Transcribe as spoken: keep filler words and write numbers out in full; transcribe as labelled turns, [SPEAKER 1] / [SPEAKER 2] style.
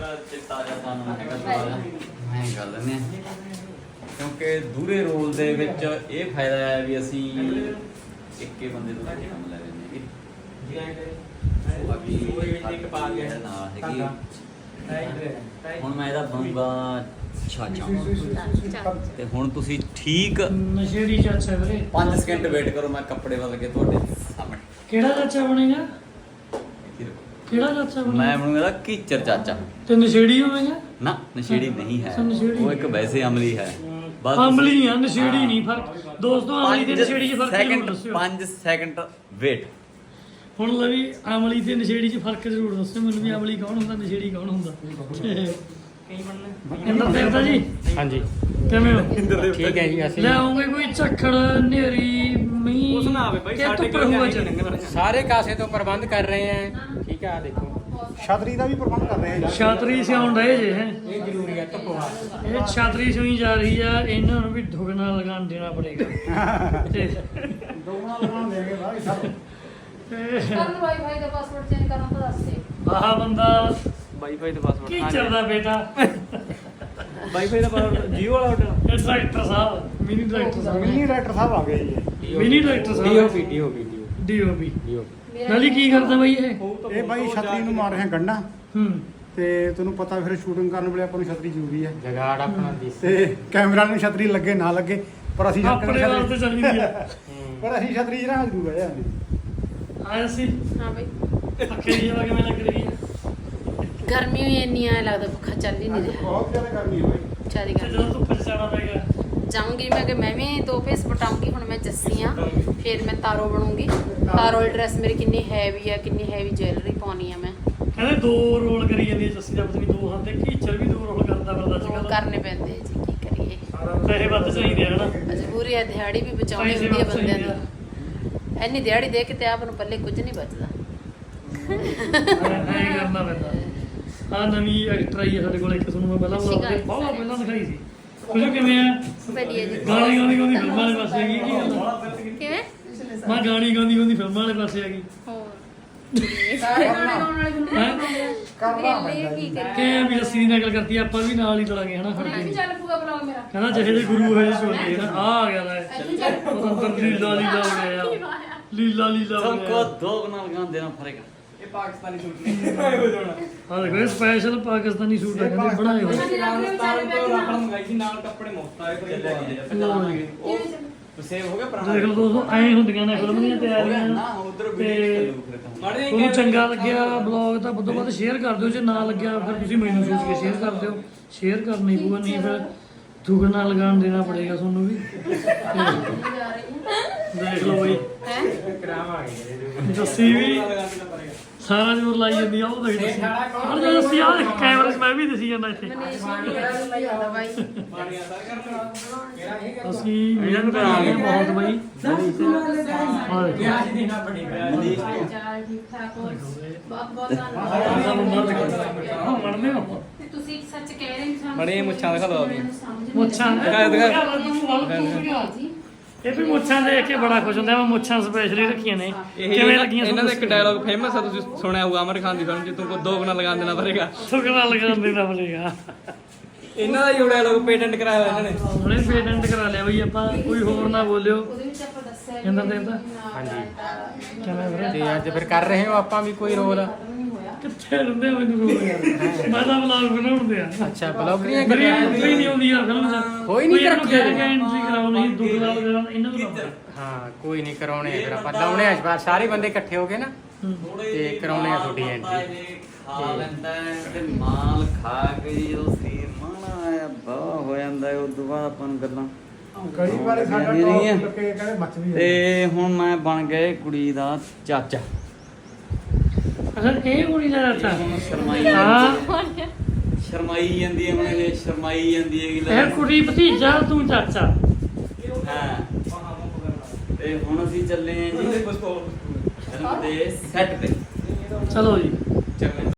[SPEAKER 1] ਚਿੱਟਾ ਜਿਹਾ ਸਾਨੂੰ ਹੈਗਾ ਥੋੜਾ ਜਿਹਾ ਮੈਂ ਗੱਲ ਨੇ ਕਿਉਂਕਿ ਦੂਰੇ ਰੋਲ ਦੇ ਵਿੱਚ ਇਹ ਫਾਇਦਾ ਹੈ ਵੀ ਅਸੀਂ ਇੱਕੇ ਬੰਦੇ ਤੋਂ ਕੰਮ ਲੈ ਲੈਂਦੇ ਹਾਂ ਬਾਕੀ ਇੱਕ ਪਾ ਗਿਆ ਨਾਲ ਹੈਗੀ ਹੁਣ ਮੈਂ ਇਹਦਾ ਬਣੂਗਾ ਛਾਚਾ ਤੇ ਹੁਣ ਤੁਸੀਂ ਠੀਕ
[SPEAKER 2] ਨਸ਼ੇੜੀ ਚਾਚਾ ਵੀਰੇ
[SPEAKER 1] ਪੰਜ ਸਕਿੰਟ ਵੇਟ ਕਰੋ ਮੈਂ ਕੱਪੜੇ ਬਦਲ ਕੇ ਤੁਹਾਡੇ ਸਾਹਮਣੇ
[SPEAKER 2] ਕਿਹੜਾ ਚਾਚਾ ਬਣੇਗਾ ਕਿਹੜਾ ਚਾਚਾ ਬਣੇਗਾ
[SPEAKER 1] ਮੈਂ ਬਣੂਗਾ ਇਹਦਾ ਕੀਚਰ ਚਾਚਾ
[SPEAKER 2] ਤੇ ਨਸ਼ੇੜੀ ਹੋਵੇਗਾ
[SPEAKER 1] ਨਾ ਨਸ਼ੇੜੀ ਨਹੀਂ ਹੈ
[SPEAKER 2] ਨਸ਼ੇੜੀ
[SPEAKER 1] ਉਹ ਇੱਕ ਵੈਸੇ ਅਮਲੀ ਹੈ ਬਸ
[SPEAKER 2] ਅਮਲੀ ਆ ਨਸ਼ੇੜੀ ਨਹੀਂ ਫਰਕ ਦੋਸਤੋ ਅਮਲੀ ਤੇ ਨਸ਼ੇੜੀ 'ਚ ਫਰਕ ਜ਼ਰੂਰ
[SPEAKER 1] ਸੈਕਿੰਡ
[SPEAKER 2] ਦੱਸਿਓ
[SPEAKER 1] ਪੰਜ ਸੈਕਿੰਡ ਵੇਟ
[SPEAKER 2] ਹੁਣ ਲਵੀ ਅਮਲੀ ਤੇ ਨਸ਼ੇੜੀ 'ਚ ਫਰਕ ਜ਼ਰੂਰ ਦੱਸਿਓ ਮੈਨੂੰ ਵੀ ਅਮਲੀ ਕੌਣ ਹੁੰਦਾ ਨਸ਼ੇੜੀ ਕੌਣ ਹੁੰਦਾ ਇੰਦਰ ਦੇਵਤਾ ਜੀ
[SPEAKER 3] ਹਾਂਜੀ
[SPEAKER 2] ਕਿਵੇਂ ਹੋ
[SPEAKER 3] ਠੀਕ ਹੈ ਜੀ ਅਸੀਂ
[SPEAKER 2] ਲੈ ਆਉਂਗੇ ਕੋਈ ਝੱਖੜ ਨੇਰੀ ਮੀਂਹ
[SPEAKER 3] ਉਸ ਨਾ ਆਵੇ ਬਾਈ ਸਾਡੇ ਕੋਲ ਸਾਰੇ ਕਾਸੇ ਤੋਂ ਪ੍ਰਬੰਧ ਕਰ ਰਹੇ ਆ ਠੀਕ ਆ ਦੇਖੋ
[SPEAKER 4] ਛਤਰੀ ਦਾ ਵੀ ਪ੍ਰਬੰਧ ਕਰ ਰਹੇ ਆ
[SPEAKER 2] ਛਾਤਰੀ ਸਿਆਉਣ ਰਹੇ ਜੇ ਹੈ
[SPEAKER 3] ਇਹ ਜ਼ਰੂਰੀ ਹੈ ਧੁੱਪਵਾ
[SPEAKER 2] ਇਹ ਛਾਤਰੀ ਸੋਈ ਜਾ ਰਹੀ ਆ ਇਹਨਾਂ ਨੂੰ ਵੀ ਢੁਕਣਾ ਲਗਾਉਣ ਦੇਣਾ ਪੜੇਗਾ ਤੇ
[SPEAKER 4] ਦੋਗਣਾ ਲਗਾਉਣ ਦੇਗੇ ਭਾਈ ਸਭ
[SPEAKER 5] ਕਰਨ ਵਾਈਫਾਈ ਦਾ ਪਾਸਵਰਡ ਚੇਂਜ ਕਰਨਾ ਤਾਂ ਦੱਸ ਦੇ
[SPEAKER 2] ਆਹ ਬੰਦਾ
[SPEAKER 3] ਵਾਈਫਾਈ ਦਾ ਪਾਸਵਰਡ
[SPEAKER 2] ਕੀ ਚੱਲਦਾ ਬੇਟਾ
[SPEAKER 3] ਵਾਈਫਾਈ ਦਾ ਪਾਸਵਰਡ ਜੀਓ ਵਾਲਾ ਹੋਟਲ
[SPEAKER 2] ਇਹ ਡਾਇਰੈਕਟਰ ਸਾਹਿਬ ਮਿਨੀ ਡਾਇਰੈਕਟਰ ਸਾਹਿਬ
[SPEAKER 4] ਮਿਨੀ ਡਾਇਰੈਕਟਰ ਸਾਹਿਬ ਆ ਗਏ ਜੀ
[SPEAKER 2] ਮਿਨੀ ਡਾਇਰੈਕਟਰ ਸਾਹਿਬ
[SPEAKER 3] ਡੀਓਪੀ ਡੀਓਪੀ
[SPEAKER 2] ਡੀਓਪੀ
[SPEAKER 3] ਡੀਓਪੀ
[SPEAKER 2] ਨਾਲੀ ਕੀ ਕਰਦਾ ਬਾਈ ਇਹ
[SPEAKER 4] ਇਹ ਬਾਈ ਛਤਰੀ ਨੂੰ ਮਾਰ ਰਿਹਾ ਗੰਢਾਂ
[SPEAKER 2] ਹੂੰ
[SPEAKER 4] ਤੇ ਤੈਨੂੰ ਪਤਾ ਫਿਰ ਸ਼ੂਟਿੰਗ ਕਰਨ ਵੇਲੇ ਆਪਾਂ ਨੂੰ ਛਤਰੀ ਜ਼ਰੂਰੀ ਹੈ
[SPEAKER 3] ਜਗਾੜ ਆਪਣਾ ਦੀ
[SPEAKER 4] ਤੇ ਕੈਮਰਾ ਨੂੰ ਛਤਰੀ ਲੱਗੇ ਨਾ ਲੱਗੇ ਪਰ ਅਸੀਂ
[SPEAKER 2] ਆਪਣੇ ਵਾਲ ਤੇ ਚੱਲੀ ਦੀ ਆ
[SPEAKER 4] ਪਰ ਅਸੀਂ ਛਤਰੀ ਜਰਾ ਜ਼ਰੂਰ ਹੈ
[SPEAKER 2] ਆਇਆ ਸੀ
[SPEAKER 5] ਹਾਂ ਬਈ
[SPEAKER 2] ਅੱਖੇ ਦੀ ਹਵਾ ਕਿਵੇਂ ਲੱਗ ਰਹੀ ਹੈ
[SPEAKER 5] ਗਰਮੀ ਹੋਈ ਇੰਨੀ ਆ ਲੱਗਦਾ ਪੱਖਾ ਚੱਲ ਹੀ ਨਹੀਂ ਰਿਹਾ
[SPEAKER 4] ਬਹੁਤ ਜ਼ਿਆਦਾ ਗਰਮੀ ਹੋਈ
[SPEAKER 5] ਚਾਰੀ
[SPEAKER 2] ਤੇ
[SPEAKER 5] ਗਰਮੀ
[SPEAKER 2] ਜਦੋਂ ਧੁੱਪ ਚ ਜਾਣਾ ਪਏਗਾ
[SPEAKER 5] ਜਾਊਂਗੀ ਮੈਂ ਕਿ ਮੈਂ ਵੀ ਦੋ ਪੀਸ ਪਟਾਉਂਗੀ ਹੁਣ ਮੈਂ ਜੱਸੀ ਆ ਫਿਰ ਮੈਂ ਤਾਰੋ ਬਣੂੰਗੀ ਤਾਰੋ ਵਾਲੀ ਡਰੈਸ ਮੇਰੀ ਕਿੰਨੀ ਹੈਵੀ ਆ ਕਿੰਨੀ ਹੈਵੀ ਜੁਐਲਰੀ ਪਾਉਣੀ ਆ ਮੈਂ
[SPEAKER 2] ਕਹਿੰਦੇ ਦੋ ਰੋਲ ਕਰੀ ਜਾਂਦੀ ਹੈ ਜੱਸੀ ਦਾ ਪਤਨੀ ਦੋ ਹੱਥ ਤੇ ਕੀਚਰ ਵੀ ਦੋ ਰੋਲ ਕਰਦਾ ਫਿਰਦਾ ਅੱਜ
[SPEAKER 5] ਰੋਲ
[SPEAKER 2] ਕੱਲ੍ਹ
[SPEAKER 5] ਕਰਨੇ ਪੈਂਦੇ ਆ ਜੀ ਕੀ ਕਰੀਏ
[SPEAKER 2] ਪੈਸੇ ਵੱਧ ਚਾਹੀਦੇ ਆ ਹਨਾ
[SPEAKER 5] ਮਜਬੂਰੀ ਆ ਦਿਹਾੜੀ ਵੀ ਬਚਾਉਣੀ
[SPEAKER 2] ਪੈਸੇ
[SPEAKER 5] ਹੁੰਦੀ ਆ
[SPEAKER 2] ਵੱਧ
[SPEAKER 5] ਬੰਦਿਆਂ
[SPEAKER 2] ਚਾਹੀਦੇ ਆ
[SPEAKER 5] ਦੀ ਇੰਨੀ ਦਿਹਾੜੀ ਦੇ ਕੇ ਤੇ ਆਪ ਨੂੰ ਪੱਲੇ ਕੁਝ ਨਹੀਂ ਬਚਦਾ
[SPEAKER 2] ਐਂ ਕਰਨਾ ਪੈਂਦਾ ਆ ਨਵੀਂ ਐਕਟਰ ਆਈ ਹੈ ਸਾਡੇ ਕੋਲ ਇੱਕ ਤੁਹਾਨੂੰ ਮੈਂ ਪਹਿਲਾਂ ਬੁਲਾ ਕੇ ਬਹੁਤ ਪਹਿਲਾਂ ਦਿਖਾਈ ਸੀ ਤੁਸੀਂ ਕਿਵੇਂ ਆ
[SPEAKER 5] ਵਧੀਆ ਜੀ
[SPEAKER 2] ਗਾਣੀ ਗਾਉਂਦੀ ਗਾਉਂਦੀ ਫਿਲਮਾਂ ਵਾਲੇ ਪਾਸੇ ਹੈਗੀ ਕੀ ਗੱਲ ਆ?
[SPEAKER 5] ਕਿਵੇਂ
[SPEAKER 2] ਮੈਂ ਗਾਣੀ ਗਾਉਂਦੀ ਗਾਉਂਦੀ ਫਿਲਮਾਂ ਵਾਲੇ ਪਾਸੇ ਹੈਗੀ
[SPEAKER 5] ਹੋਰ ਸਾਰੇ ਗਾਣੇ ਗਾਉਣ ਵਾਲੇ ਫਿਲਮਾਂ
[SPEAKER 4] ਕਰਨਾ
[SPEAKER 5] ਵੇਲੇ ਕੀ ਕਰੀਏ
[SPEAKER 2] ਕਿ ਵੀ ਅਸੀਂ ਦੀ ਨਕਲ ਕਰਤੀ ਆਪਾਂ ਵੀ ਨਾਲ ਹੀ ਤੁਰਾਂਗੇ ਹਨਾ ਫੜ ਕੇ
[SPEAKER 5] ਚੱਲ ਪੂਗਾ ਬਲੌਗ ਮੇਰਾ
[SPEAKER 2] ਕਹਿੰਦਾ ਜਿਹੇ ਜਿਹੇ ਗੁਰੂ ਹੋਏ ਸੋਚੇ ਨਾ ਆ ਆ ਗਿਆ ਲੈ ਪਤੰਦਰ ਲੀਲਾ ਲੀਲਾ ਹੋ ਗਿਆ ਲੀਲਾ ਲੀਲਾ ਹੋ
[SPEAKER 1] सबको
[SPEAKER 2] ਗਿਆ
[SPEAKER 1] दो गुना लगान देना पड़ेगा
[SPEAKER 3] ਇਹ ਪਾਕਿਸਤਾਨੀ ਸੂਟ ਨਹੀਂ ਹੋ ਜਾਣਾ
[SPEAKER 2] ਆ ਦੇਖੋ ਇਹ ਸਪੈਸ਼ਲ ਪਾਕਿਸਤਾਨੀ ਸੂਟ ਆ ਕਹਿੰਦੇ ਬਣਾਏ ਹੋਏ
[SPEAKER 3] ਰਾਜਸਥਾਨ ਤੋਂ ਰਾਪੜ ਮੰਗਾਈ ਸੀ ਨਾਲ ਕੱਪੜੇ ਮੁਫਤ ਆਏ ਕੋਈ
[SPEAKER 1] सेव हो गया
[SPEAKER 2] ਦੇਖ ਲਓ ਦੋਸਤੋ ਐਂ ਹੁੰਦੀਆਂ ਨੇ ਫਿਲਮ ਦੀਆਂ ਤਿਆਰੀਆਂ
[SPEAKER 1] ना उधर
[SPEAKER 2] ਤੇ ਤੁਹਾਨੂੰ ਚੰਗਾ ਲੱਗਿਆ ਬਲੌਗ ਤਾਂ ਵੱਧੋ ਵੱਧ ਸ਼ੇਅਰ ਕਰ ਦਿਓ ਜੇ ਨਾ ਲੱਗਿਆ ਫਿਰ ਤੁਸੀਂ ਮੈਨੂੰ ਸੋਚ ਕੇ ਸ਼ੇਅਰ ਕਰ ਦਿਓ ਸ਼ੇਅਰ ਕਰਨੀ ਪਊਗਾ ਨਹੀਂ ਫਿਰ ਦੁਗਣਾ ਲਗਾਉਣ ਦੇਣਾ ਪੜੇਗਾ ਤੁਹਾਨੂੰ ਵੀ ਦੇਖ ਲਓ ਬਈ
[SPEAKER 5] ਹੈ
[SPEAKER 2] ਜੱਸੀ ਵੀ ਸਾਰਾ ਜੋਰ ਲਾਈ ਜਾਂਦੀ ਆ ਉਹ ਦੇਖ ਜੱਸੀ ਹਰ ਜਦੋਂ ਜੱਸੀ ਆ ਦੇਖ ਕੈਮਰੇ 'ਚ ਮੈਂ ਵੀ ਦਿਸੀ ਜਾਂਦਾ ਇੱਥੇ
[SPEAKER 5] ਦਵਾਈ
[SPEAKER 2] ਅਸੀਂ ਮਿਹਨਤ ਕਰਾਂਗੇ ਬਹੁਤ ਬਈ ਆ ਦੇਖੋ
[SPEAKER 5] ਚਾਲ ਠੀਕ ਠਾਕ ਹੋ ਬਹੁਤ ਬਹੁਤ ਧੰਨਵਾਦ
[SPEAKER 2] ਆਹ ਬੰਦਾ ਦੇਖੋ ਮੜਨੇ ਹੋ
[SPEAKER 5] ਤੇ ਤੁਸੀਂ ਸੱਚ ਕਹਿ ਰਹੇ ਹੋ ਸਾਨੂੰ
[SPEAKER 3] ਬੜੇ ਮੁੱਛਾਂ ਦਿਖਾ ਦਿਓ ਆਪਣੀ।
[SPEAKER 2] ਮੁੱਛਾਂ
[SPEAKER 3] ਦਿਖਾ, ਦਿਖਾ।
[SPEAKER 5] ਜੀ
[SPEAKER 2] ਇਹ ਵੀ ਮੁੱਛਾਂ ਦੇਖ ਕੇ ਬੜਾ ਖੁਸ਼ ਹੁੰਦਾ ਮੈਂ ਮੁੱਛਾਂ ਸਪੈਸ਼ਲੀ ਰੱਖੀਆਂ ਨੇ
[SPEAKER 3] ਇਹ
[SPEAKER 2] ਕਿਵੇਂ ਲੱਗੀਆਂ
[SPEAKER 3] ਇਹਨਾਂ ਦਾ ਇੱਕ ਡਾਇਲੌਗ ਫੇਮਸ ਆ ਤੁਸੀਂ ਸੁਣਿਆ ਹੋਊਗਾ ਅਮਰ ਖਾਨ ਦੀ ਫਿਲਮ 'ਚ ਤੁਮਕੋ ਦੋ ਗੁਣਾ ਲਗਾਉਣ ਦੇਣਾ ਪੜੇਗਾ
[SPEAKER 2] ਸੁਗਣਾ ਲਗਾਉਣ ਦੇਣਾ ਪੜੇਗਾ
[SPEAKER 3] ਇਹਨਾਂ ਦਾ ਹੀ ਡਾਇਲੌਗ ਪੇਟੈਂਟ ਕਰਾਇਆ ਹੋਇਆ ਇਹਨਾਂ ਨੇ
[SPEAKER 2] ਹੁਣੇ ਪੇਟੈਂਟ ਕਰਾ ਲਿਆ ਬਈ ਆਪਾਂ ਕੋਈ ਹੋਰ ਨਾ ਬੋਲਿਓ
[SPEAKER 5] ਉਹਦੇ ਵਿੱਚ ਆਪਾਂ ਦੱਸਿਆ
[SPEAKER 2] ਕਹਿੰਦਾ ਦੇਵਤਾ
[SPEAKER 5] ਹਾਂਜੀ
[SPEAKER 2] ਕਿਵੇਂ ਵੀਰੇ
[SPEAKER 3] ਤੇ ਅੱਜ ਫਿਰ ਕਰ ਰਹੇ ਹੋ ਆਪਾਂ ਵੀ ਕੋਈ ਰੋਲ
[SPEAKER 2] ਕਿੱਥੇ ਰਹਿੰਦੇ ਹੋ ਮੈਨੂੰ ਰੋਲ ਯਾਰ ਮੈਂ ਤਾਂ ਵਲੌਗ ਬਣਾਉਂਦੇ ਆ
[SPEAKER 3] ਅੱਛਾ ਬਲੌਗਰੀਆਂ
[SPEAKER 2] ਮੇਰੀ ਐਂਟਰੀ ਨਹੀਂ ਆਉਂਦੀ ਯਾਰ ਫਿਲਮ 'ਚ
[SPEAKER 3] ਕੋਈ ਨਹੀਂ
[SPEAKER 2] ਇਹਨੂੰ
[SPEAKER 3] ਰੱਖਿਆ
[SPEAKER 2] ਕਹਿ ਕੇ ਐਂਟਰੀ ਕਰਾਉਣੀ ਦੁੱਖ ਨਾਲ ਕਰਾਉਣਾ ਇਹਨਾਂ ਨੂੰ ਲਾਉਣਾ।
[SPEAKER 3] ਹਾਂ ਕੋਈ ਨਹੀਂ ਕਰਾਉਣੇ ਆ ਫਿਰ ਆਪਾਂ ਲਾਉਣੇ ਆ ਇਸ ਵਾਰ ਸਾਰੇ ਬੰਦੇ ਇਕੱਠੇ ਹੋ ਕੇ ਨਾ ਤੇ ਕਰਾਉਣੇ ਆ ਤੁਹਾਡੀ ਐਂਟਰੀ
[SPEAKER 1] ਖਾ ਲੈਂਦਾ ਹੈ ਤੇ ਮਾਲ ਖਾ ਕੇ ਜਦੋਂ ਸਰੀਰ ਮਾਣਾ ਆਇਆ ਬਾਹ ਹੋ ਜਾਂਦਾ ਹੈ ਉਦੋਂ ਬਾਅਦ ਆਪਾਂ ਨੂੰ ਗੱਲਾਂ
[SPEAKER 4] ਕਈ ਵਾਰ ਸਾਡਾ ਟੌਪ ਲੱਗੇ ਕਹਿੰਦੇ ਮੱਚ ਵੀ
[SPEAKER 1] ਤੇ ਹੁਣ ਮੈਂ ਬਣ ਗਿਆ ਕੁੜੀ ਦਾ ਚਾਚਾ
[SPEAKER 2] ਅੱਛਾ ਇਹ ਕੁੜੀ ਦਾ ਚਾਚਾ
[SPEAKER 1] ਹੁਣ ਸ਼ਰਮਾਈ
[SPEAKER 2] ਹਾਂ
[SPEAKER 1] ਸ਼ਰਮਾਈ ਜਾਂਦੀ ਹੈ ਹੁਣ ਇਹ ਸ਼ਰਮਾਈ ਜਾਂਦੀ ਹੈ ਕਿ
[SPEAKER 2] ਇਹ ਕੁੜੀ ਭਤੀਜਾ ਤੂੰ ਚਾਚਾ
[SPEAKER 1] ਹਾਂ ਤੇ ਹੁਣ ਅਸੀਂ ਚੱਲੇ ਆਂ ਜੀ ਫਿਲਮ ਦੇ ਸੈੱਟ ਤੇ
[SPEAKER 2] ਚਲੋ ਜੀ
[SPEAKER 1] ਚੰਗਾ